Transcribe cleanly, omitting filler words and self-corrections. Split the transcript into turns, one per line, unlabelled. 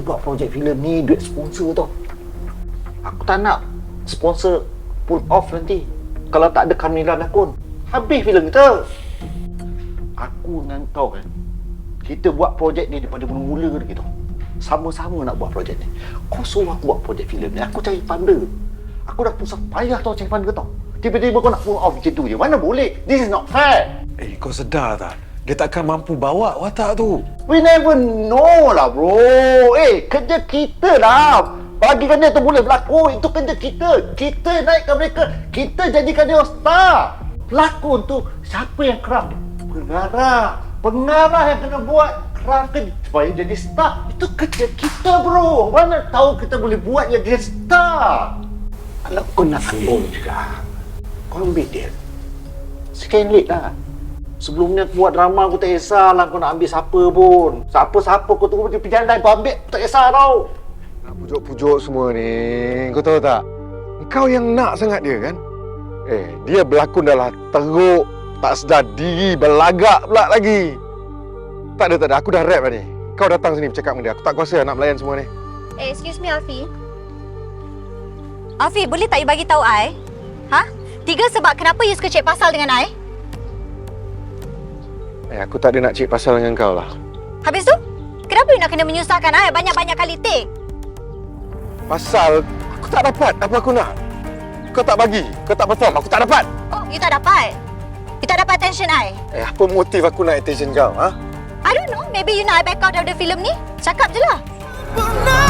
buat projek filem ni duit sponsor tau. Aku tak nak sponsor pull off nanti. Kalau tak ada Kamila lakon, habis filem kita. Aku dengan kau kan, kita buat projek ni daripada mula-mula lagi tau. Sama-sama nak buat projek ni. Kau suruh aku buat projek filem ni, aku cari funder. Aku dah pusat payah tau cari funder tau. Tiba-tiba kau nak pull off macam tu je. Mana boleh? This is not fair.
Kau sedar tak? Dia takkan mampu bawa watak tu.
We never know lah bro. Kerja kita lah. Bagikan dia tu boleh berlakon. Itu kerja kita. Kita naikkan mereka. Kita jadikan dia star. Pelakon tu siapa yang craft? Pengarah. Pengarah yang kena buat craft ke supaya jadi star. Itu kerja kita bro. Mana tahu kita boleh buat dia jadi star. Kalau kau nak ambil juga, kau ambil dia second lead lah. Sebelum ni aku buat drama, aku tak kisahlah kau nak ambil siapa pun. Siapa-siapa kau tunggu di jalan, kau ambil, aku tak kisah tau.
Nak pujuk-pujuk semua ni, kau tahu tak? Kau yang nak sangat dia kan? Dia berlakon dah lah teruk, tak sedar diri, berlagak pula lagi. Tak ada, aku dah rap lah ni. Kau datang sini bercakap dengan dia, aku tak kuasa nak melayan semua ni.
Excuse me, Alfie. Alfie, boleh tak you bagi tahu I? Ha? 3 sebab kenapa you suka cek pasal dengan I?
Aku tak ada nak cik pasal dengan kau lah.
Habis tu, kenapa you nak kena menyusahkan I banyak-banyak kali take?
Pasal aku tak dapat apa aku nak. Kau tak bagi, kau tak perform, aku tak dapat.
Oh, you tak dapat? You tak dapat attention I?
Apa motif aku nak attention kau, ha?
I don't know, maybe you nak I back out of the film ni? Cakap je lah.